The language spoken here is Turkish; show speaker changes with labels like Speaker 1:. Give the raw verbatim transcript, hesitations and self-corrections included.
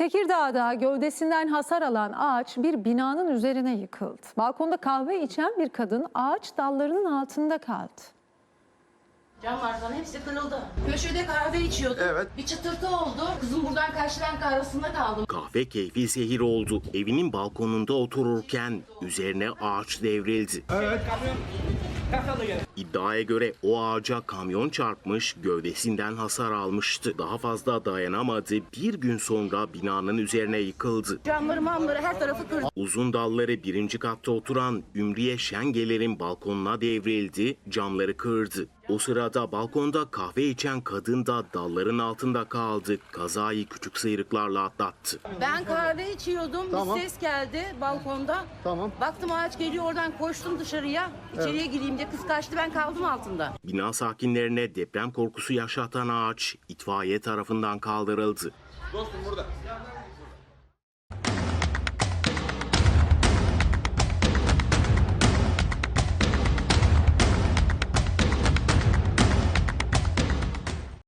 Speaker 1: Tekirdağ'da gövdesinden hasar alan ağaç bir binanın üzerine yıkıldı. Balkonda kahve içen bir kadın ağaç dallarının altında kaldı.
Speaker 2: Camlar falan hepsi kırıldı. Köşede kahve içiyordum.
Speaker 3: Evet.
Speaker 2: Bir çıtırtı oldu. Kızım buradan kaçtı, ben kahvesinde kaldım.
Speaker 4: Kahve keyfi zehir oldu. Evinin balkonunda otururken üzerine ağaç devrildi.
Speaker 3: Evet.
Speaker 4: İddiaya göre o ağaca kamyon çarpmış, gövdesinden hasar almıştı. Daha fazla dayanamadı. Bir gün sonra binanın üzerine yıkıldı.
Speaker 2: Camları mamları her tarafı kırdı.
Speaker 4: Uzun dalları birinci katta oturan Ümriye Şengeler'in balkonuna devrildi, camları kırdı. O sırada balkonda kahve içen kadın da dalların altında kaldı. Kazayı küçük sıyrıklarla atlattı.
Speaker 2: Ben kahve içiyordum.
Speaker 3: Tamam.
Speaker 2: Bir ses geldi balkonda.
Speaker 3: Tamam.
Speaker 2: Baktım ağaç geliyor, oradan koştum dışarıya. İçeriye gireyim diye, kız kaçtı, ben kaldım altında.
Speaker 4: Bina sakinlerine deprem korkusu yaşatan ağaç itfaiye tarafından kaldırıldı.
Speaker 3: Dostum burada.